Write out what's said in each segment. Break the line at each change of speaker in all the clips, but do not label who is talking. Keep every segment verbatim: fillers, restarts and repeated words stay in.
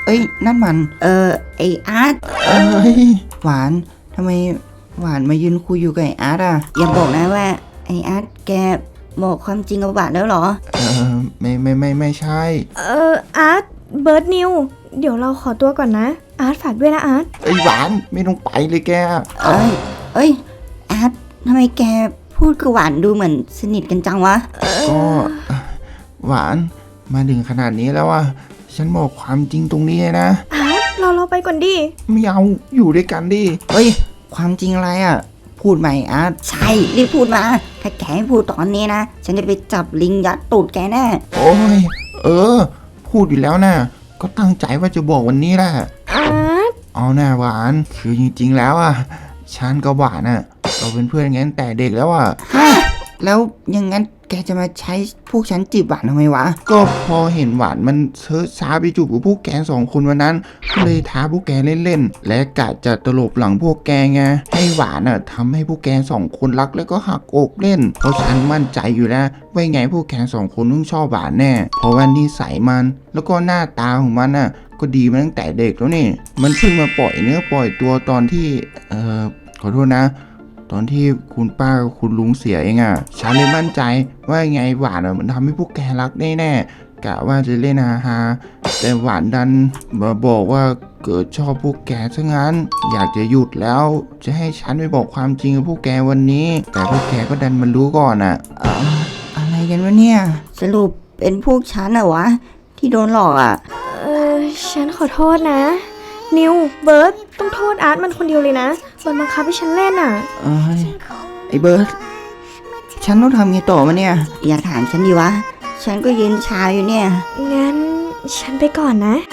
เอ้ยนั่นมัน
เออไออาร์ต
เอ้ยหวานทำไมหวานมายืนคุยอยู่กับไออาร์ตอ่ะ
อย่าบอกนะว่าไออาร์ตแกบอกความจริงกับหวานแล้วเหรอ
เออไม่ไม่ไม่ไม่ใช่
เอออาร์ตเบิร์ดนิวเดี๋ยวเราขอตัวก่อนนะอาร์ตฝากด้วยนะอาร์ต
ไอ้หวานไม่ต้องไปเลยแก
เอ้ยเอ้ยอาร์ตทำไมแกพูดกับหวานดูเหมือนสนิทกันจังวะ
ก็หวานมาถึงขนาดนี้แล้วอ่ะฉันบอกความจริงตรงนี้นะ
อาร์ตเราเราไปก่อนดิ
ไม่เอาอยู่ด้วยกันดิ
เฮ้ยความจริงอะไรอ่ะพูดใหม่อาร์ต
ใช่รีบพูดมาถ้าแกไม่พูดตอนนี้นะฉันจะไปจับลิงยัดตูดแกแน่
โอ้ยเออพูดอยู่แล้วนะก็ตั้งใจว่าจะบอกวันนี้แหละ
อาร์ต
เอาหน้าหวานคือจริงๆแล้วอ่ะฉันกับหวานอ่ะเราเป็นเพื่อนกันแต่เด็กแล้วอ่ะ
แล้วยังงั้นแกจะมาใช้พวกฉันจีบหวานทำไมวะ
ก็พอเห็นหวานมันเชิดช้าไปจูบกับพวกแกสองคนวันนั้นก็เลยท้าพวกแกเล่นๆและกะจะตลบหลังพวกแกไงให้หวานอ่ะทำให้พวกแกสองคนรักแล้วก็หักอกเล่นเพราะฉันมั่นใจอยู่แล้วว่าไงพวกแกสองคนต้องชอบหวานแน่เพราะว่านิสัยมันแล้วก็หน้าตาของมันอ่ะก็ดีมาตั้งแต่เด็กแล้วนี่มันเพิ่งมาปล่อยเนื้อปล่อยตัวตอนที่เอ่อขอโทษนะตอนที่คุณป้ากับคุณลุงเสียเองอ่ะฉันเลยมั่นใจว่าไงหวานอ่ะมันทำให้พวกแกรักแน่ๆกะว่าจะเล่นฮาฮาแต่หวานดันมาบอกว่าเกิดชอบพวกแกซะงั้นอยากจะหยุดแล้วจะให้ฉันไปบอกความจริงกับพวกแกวันนี้แต่พวกแกก็ดันมันรู้ก่อนอ่ะ
อ่าอะไรกันวะเนี่ย
สรุปเป็นพวกฉันอะวะที่โดนหลอกอ่ะ
เออฉันขอโทษนะนิวเบิร์ดต้องโทษอาร์ตมันคนเดียวเลยนะมันบังคับให้ฉันเล่นอ่ะ
เอ้ยไอ้เบิร์ดฉันต้องทำไงต่อมาเนี่ย
อย่าถามฉันดีวะฉันก็ยืนชาอยู่เนี่ย
งั้นฉันไปก่อนนะ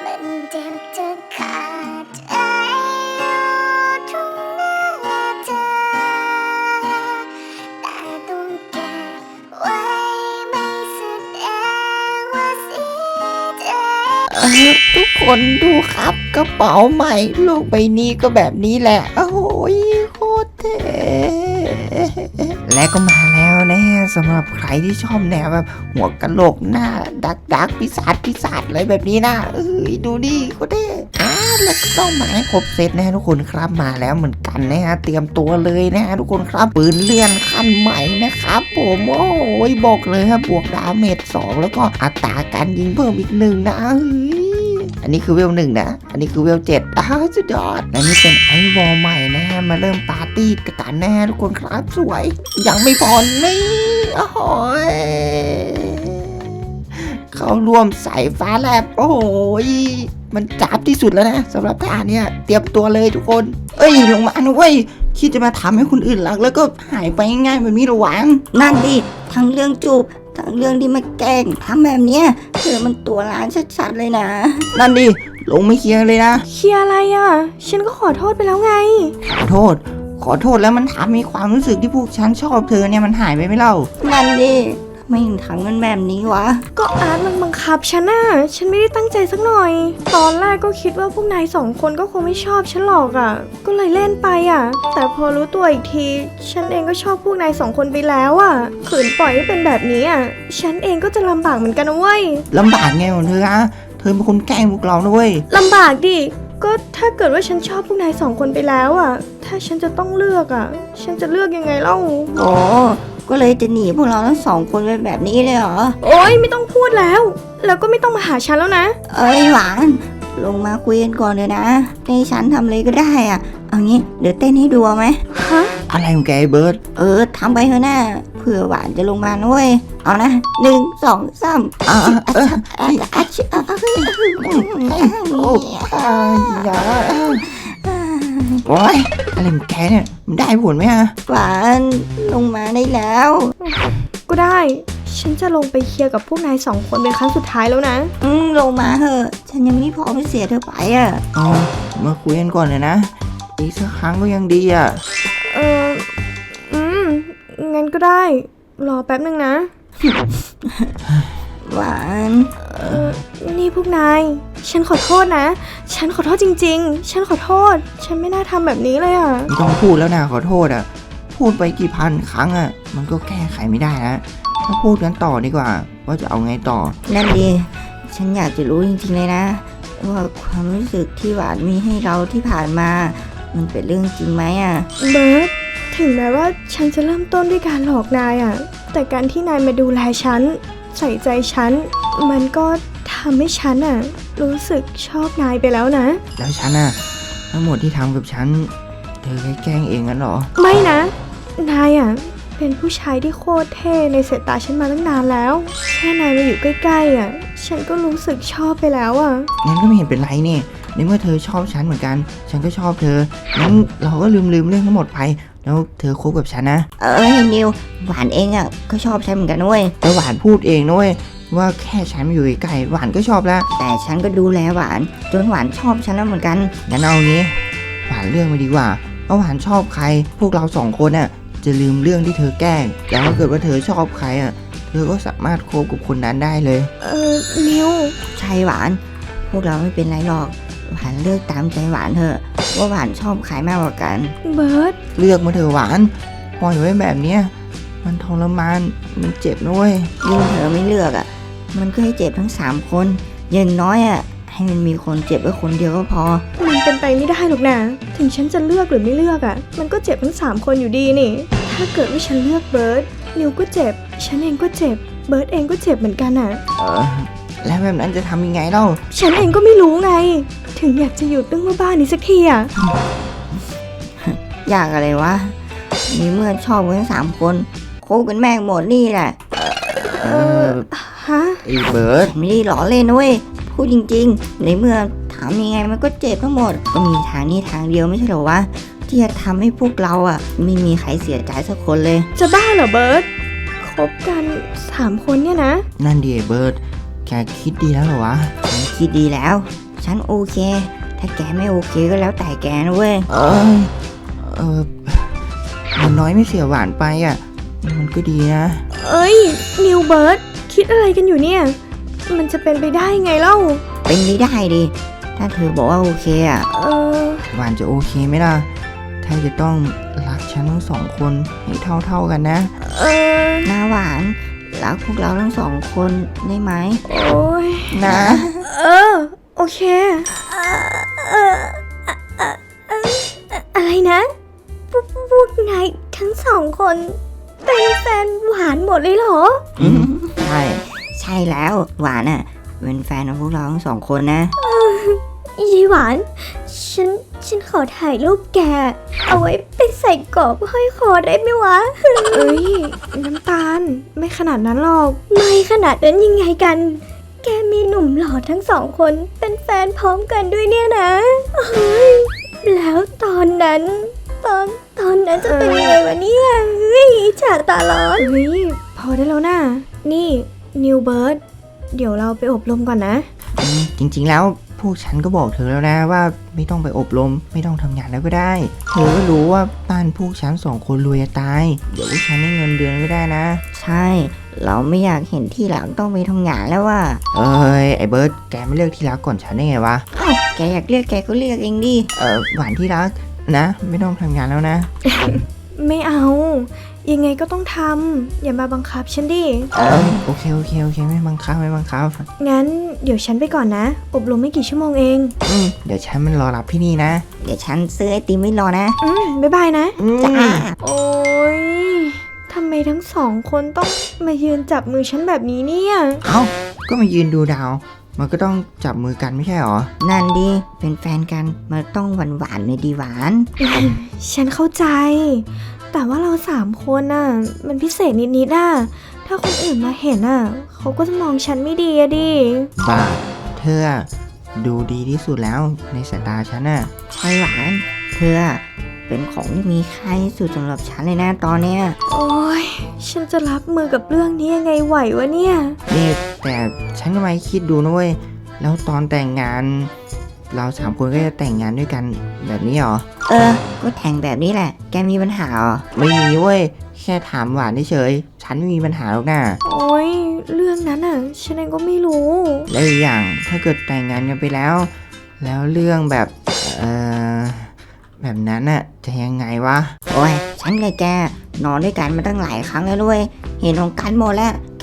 ทุกคนดูครับกระเป๋าใหม่โลกใบนี้ก็แบบนี้แหละโอ้ยโคตรเท่และก็มาแล้วนะสำหรับใครที่ชอบแนวแบบหัวกะโหลกหน้าดักดักปีศาจปีศาจอะไรแบบนี้นะเอ้ยดูดิโคตรเท่อ่าแล้วก็ต้องมาให้ครบเซตนะทุกคนครับมาแล้วเหมือนกันนะฮะเตรียมตัวเลยนะทุกคนครับปืนเลื่อนขั้นใหม่นะครับผมโอ้ยบอกเลยครับบวกดาเมจสองแล้วก็อัตราการยิงเพิ่มอีกหนึ่งนะอันนี้คือเวลหนึ่งนะอันนี้คือเวลเจ็ดอ้าวสุดยอดและนี่เป็นไอวอลใหม่นะฮะมาเริ่มปาร์ตี้กันแน่ทุกคนครับสวยยังไม่พอนี่โอ้โหเข้าร่วมสายฟ้าแลบโอ้โหมันจับที่สุดแล้วนะสำหรับท่าเนี่ยเตรียมตัวเลยทุกคนเอ้ยลงมาหน่อยคิดจะมาทำให้คนอื่นรักแล้วก็หายไปง่ายๆแบบนี้หรอหวัง
นั่นดิทั้งเรื่องจูบทั้งเรื่องที่มาแกล้งทำแบบเนี้ยเธอมันตัวร้ายชัดๆเลยนะ
นั่นดิลงไม่เคลียร์เลยนะ
เคลียร์อะไรอ่ะฉันก็ขอโทษไปแล้วไง
ขอโทษขอโทษแล้วมันทำให้ความรู้สึกที่พวกฉันชอบเธอเนี่ยมันหายไปไหมเล่า
นั่นดิไม่ถึงทำกันแบบนี้วะ
ก็อาร์ตมันบังคับฉันน่ะฉันไม่ได้ตั้งใจสักหน่อยตอนแรกก็คิดว่าพวกนายสองคนก็คงไม่ชอบฉันหรอกอ่ะก็เลยเล่นไปอ่ะแต่พอรู้ตัวอีกทีฉันเองก็ชอบพวกนายสองคนไปแล้วอ่ะขืนปล่อยให้เป็นแบบนี้อ่ะฉันเองก็จะลำบากเหมือนกันนะเว้ย
ลำบากไงของเธออะเธอเป็นคนแกล้งพวกเรานะเว้ย
ลำบากดิก็ถ้าเกิดว่าฉันชอบพวกนายสองคนไปแล้วอ่ะถ้าฉันจะต้องเลือกอ่ะฉันจะเลือกยังไงเล่า
โอ้ก็เลยจะหนีพวกเราทั้งสองคนไปแบบนี้เลยเหรอ
โอ๊ยไม่ต้องพูดแล้วแล้วก็ไม่ต้องมาหาฉันแล้วนะ
เอ้ยหวานลงมาคุยกันก่อนเลยนะให้ฉันทำอะไรก็ได้อ่ะเอางี้เดี๋ยวเต้นให้ดูไหม
ฮะ
อะไรของแกเบิร์ด
เออทำไปเถอะนะเผื่อหวานจะลงมาด้วยเอานะหนึ่งสองสาม
อ่าเออโอ้ยอย่าโอ้ยอะไรของแกเนี่ยมันได้ผลไหมฮะ
หวานลงมาได้แล้ว
ก็ได้ฉันจะลงไปเคลียร์กับพวกนายสองคนเป็นครั้งสุดท้ายแล้วนะ
อืมลงมาเถอะฉันยังไม่พร้อมจะเสียเธอไปอ่ะ
อ๋อมาคุยกันก่อนเลยนะอีกสักครั้งก็ยังดีอ่ะ
เอออืมงั้นก็ได้รอแป๊บนึงนะ
หวาน
เออนี่พวกนายฉันขอโทษนะฉันขอโทษจริงๆฉันขอโทษฉันไม่น่าทำแบบนี้เลยอ่ะ
ไม่ต้องพูดแล้วนะขอโทษอ่ะพูดไปกี่พันครั้งอ่ะมันก็แก้ไขไม่ได้นะมาพูดกันต่อดีกว่าว่าจะเอาไงต่อ
นั่นดีฉันอยากจะรู้จริงๆเลยนะ ว่าความรู้สึกที่หวานมีให้เราที่ผ่านมา มันเป็นเรื่องจริงไหมอ่ะ
เบิร์ตถึงแม้ว่าฉันจะเริ่มต้นด้วยการหลอกนายอะแต่การที่นายมาดูแลฉันใส่ใจฉันมันก็ทำให้ฉันอะรู้สึกชอบนายไปแล้วนะ
แล้วฉันอะทั้งหมดที่ทำกับฉันเธอแค่แกล้งเองงั้นเหรอ
ไม่นะ นายอะเป็นผู้ชายที่โคตรเท่ในสายตาฉันมาตั้งนานแล้ว แค่นายมาอยู่ใกล้ๆอะฉันก็รู้สึกชอบไปแล้วอะ
งั้นก็ไม่เห็นเป็นไรนี่ในเมื่อเธอชอบฉันเหมือนกัน ฉันก็ชอบเธองั้นเราก็ลืมลืมเรื่องทั้งหมดไป แล้วเธอคบกับฉันนะ
เอ้ยนิวหวานเองอ่ะก็ชอบฉันเหมือนกันเว้ย
แล้วหวานพูดเองนะเว้ยว่าแค่ฉันมาอยู่ใกล้ๆหวานก็ชอบแล้ว
แต่ฉันก็ดูแลหวานจนหวานชอบฉันแล้วเหมือนกัน
งั้นเอางี้หวานเรื่องมาดีกว่าว่าหวานชอบใคร พวกเราสองคนน่ะจะลืมเรื่องที่เธอแกล้งแล้วถ้าเกิดว่าเธอชอบใครอ่ะเธอก็สามารถคบกับคนนั้นได้เลย
เออนิว
ใช่หวาน พวกเราไม่เป็นไรหรอกหวานเลือกตามใจหวานเถอะว่าหวานชอบใครมากกว่ากัน
เบิร์ต
เลือกมาเถอะหวานปล่อยไว้แบบเนี้ยมันทรมานมันเจ็บนะเว้ย
ยิ่งเธอไม่เลือกอ่ะ มันก็ให้เจ็บทั้งสามคนอย่างน้อยอ่ะให้มันมีคนเจ็บไว้คนเดียวก็พอ
มันเป็นไปไม่ได้หรอกนะถึงฉันจะเลือกหรือไม่เลือกอะมันก็เจ็บทั้งสามคนอยู่ดีนี่ ถ้าเกิดว่าฉันเลือกเบิร์ตนิวก็เจ็บ ฉันเองก็เจ็บ เบิร์ตเองก็เจ็บเหมือนกันอะ
เออแล้วแบบนั้นจะทำยังไงเล่า
ฉันเองก็ไม่รู้ไง ถึงอยากจะหยุดเรื่องบ้าๆนี้สักทีอะ
อยากอะไรวะมีเมื่อชอบกันทั้งสามคนคบกันแม่งหมดนี่แหละ
เออ
ฮะ
ไอ้เบิร์ด
ไม่ได้หล่อเล่นนะเว้ยพูดจริงๆ ในเมื่อถามยังไงมันก็เจ็บทั้งหมด ก็มีทางนี้ทางเดียวไม่ใช่เหรอวะที่จะทำให้พวกเราอ่ะไม่มีใครเสียใจสักคนเลย
จะบ้าเหรอเบิร์ตคบกันสามคนเนี่ยนะ
นั่นดิไอ้เบิร์ดแกคิดดีแล้วเหรอวะ
ฉันคิดดีแล้ว ฉันโอเค ถ้าแกไม่โอเคก็แล้วแต่แกนะเว้ย
เออเออมันน้อยไม่เสียหวานไปอ่ะมันก็ดีนะ
เอ้ยนิวเบิร์ตคิดอะไรกันอยู่เนี่ย มันจะเป็นไปได้ไงเล่า
เป็นไม่ได้ดิ ถ้าเธอบอกว่าโอเคอ่ะ
เออ
หวานจะโอเคไหมล่ะ ถ้าจะต้องรักฉันทั้งสองคนให้เท่าๆกันนะ
เออ
หน้าหวานรักพวกเราทั้งสองคนได้ไหม
โอ้ย
นะ
เออ โอเค อะไรนะ พวกพวกนายทั้งสองคนเป็นแฟนหวานหมดเลยเหรอ
อืมใช่
ใช่แล้วหวานอ่ะเป็นแฟนของพวกเราทั้งสองคนนะ
ยีหวาน ฉัน ฉันขอถ่ายรูปแก เอาไว้ไปใส่กรอบห้อยคอได้ไหมวะ เอ้ย น้ำตาล ไม่ขนาดนั้นหรอก ไม่ขนาดนั้นยังไงกัน แกมีหนุ่มหล่อทั้งสองคนเป็นแฟนพร้อมกันด้วยเนี่ยนะเฮ้ย แล้วตอนนั้น ตอน ตอนนั้นจะเป็นยังไงวะเนี่ยเฮ้ยฉาตาร้อนเฮ้ย พอได้แล้วนะ นี่ นิวเบิร์ด เดี๋ยวเราไปอบรมก่อนนะ
อืมจริงๆแล้วพวกฉันก็บอกเธอแล้วนะว่าไม่ต้องไปอบรมไม่ต้องทำงานแล้วก็ได้ เธอก็รู้ว่าบ้านพวกฉันสองคนรวยจะตาย เดี๋ยวพวกฉันได้เงินเดือนก็ได้นะ
ใช่ เราไม่อยากเห็นที่หลังต้องไปทำงานแล้วว่า
เอ้ยไอ้เบิร์ดแกไม่เลือกที่รักก่อนฉันได้ไงวะ
เอ้าแกอยากเรียกแกก็เรียกเองดิ
เออหวานที่รักนะ ไม่ต้องทำงานแล้วนะ
ไม่เอา ยังไงก็ต้องทำ อย่ามาบังคับฉันดิ
เออโอเคโอเคโอเคไม่บังคับไม่บังคับ
งั้นเดี๋ยวฉันไปก่อนนะ อบรมไม่กี่ชั่วโมงเอง
อืมเดี๋ยวฉันมันรอรับที่นี่นะ
เดี๋ยวฉันซื้อไอติมไว้รอนะ
อืมบ๊ายบายนะ
อืม
จ้า
โอ้ยทำไมทั้งสองคนต้องมายืนจับมือฉันแบบนี้เนี่ย
เอ้าก็มายืนดูดาว มันก็ต้องจับมือกันไม่ใช่หรอ
นั่นดิเป็นแฟนกันมันต้องหวานหวานๆเลยดีหวาน
ฉันเข้าใจ แต่ว่าเราสามคนน่ะ มันพิเศษนิดๆน่ะ ถ้าคนอื่นมาเห็นน่ะ เขาก็จะมองฉันไม่ดีอะดิ
บ้าเธออะดูดีที่สุดแล้วในสายตาฉันน่ะ
ใช่หวาน เธออะเป็นของที่มีค่าที่สุดสำหรับฉันเลยนะตอนเนี้ย
โอ้ยฉันจะรับมือกับเรื่องนี้ยังไงไหววะเนี่ย
นี่แต่ฉันก็มาคิดดูนะเว้ย แล้วตอนแต่งงาน เราสามคนก็จะแต่งงานด้วยกันแบบนี้เหรอ
เออ ก็แทงแบบนี้แหละ แกมีปัญหาเหรอ
ไม่มีเว้ย แค่ถามหวานเฉยๆฉันไม่มีปัญหาหรอกนะ
โอ้ยเรื่องนั้นอ่ะ ฉันเองก็ไม่รู้
แล้วอีกอย่างถ้าเกิดแต่งงานกันไปแล้ว แล้วเรื่องแบบ เออแบบนั้นน่ะจะยังไงวะ
โอ้ย ฉันกับแกนอนด้วยกันมาตั้งหลายครั้งแล้วด้วย เห็นของกันหมดแล้ว แก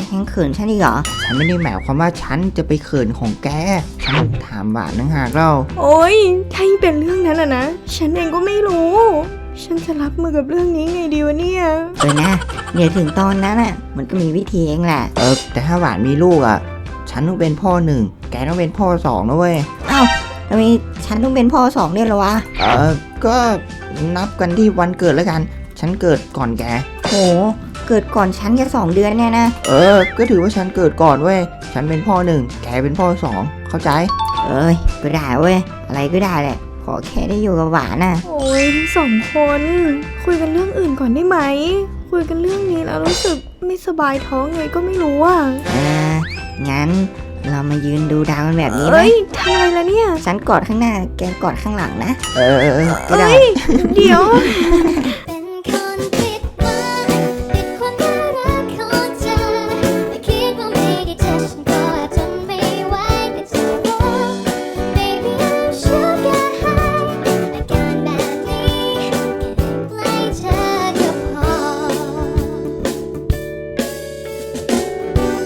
ยังเขินฉันอีกเหรอ
ฉันไม่ได้หมายความว่าฉันจะไปเขินของแก ฉันถามหวานนังหากเรา
โอ๊ยถ้ายิ่งเป็นเรื่องนั้นอะนะ ฉันเองก็ไม่รู้ ฉันจะรับมือกับเรื่องนี้ไงดีวะเนี่ย
เออนะเดี๋ยวถึงตอนนั้นอ่ะ มันก็มีวิธีเองแหละ
เออแต่ถ้าหวานมีลูกอ่ะ ฉันต้องเป็นพ่อหนึ่ง แกต้องเป็นพ่อสองนะเว้ย
เอ้าทำไมฉันต้องเป็นพ่อสองเนี่ยเหรอวะ
เออก็นับกันที่วันเกิดแล้วกัน ฉันเกิดก่อนแก
โห เกิดก่อนฉันแค่สองเดือนเนี่ยนะ
เออ ก็ถือว่าฉันเกิดก่อนเว้ย ฉันเป็นพ่อหนึ่ง แกเป็นพ่อสอง เข้าใจ
เอ้ย ก็ได้เว้ย อะไรก็ได้แหละ ขอแค่ได้อยู่กับหวานน่ะ
โอ๊ยทั้งสองคน คุยกันเรื่องอื่นก่อนได้ไหม คุยกันเรื่องนี้แล้วรู้สึกไม่สบายท้องไงก็ไม่รู้อ่ะ
เออ งั้นเรามายืนดูดาวกันแบบนี้ไหม
เอ้ยทำอะไรละเนี่ย
ฉันกอดข้างหน้า แกกอดข้างหลังนะ
เออเออเออก็ได้
เอ้ย เดี๋ยว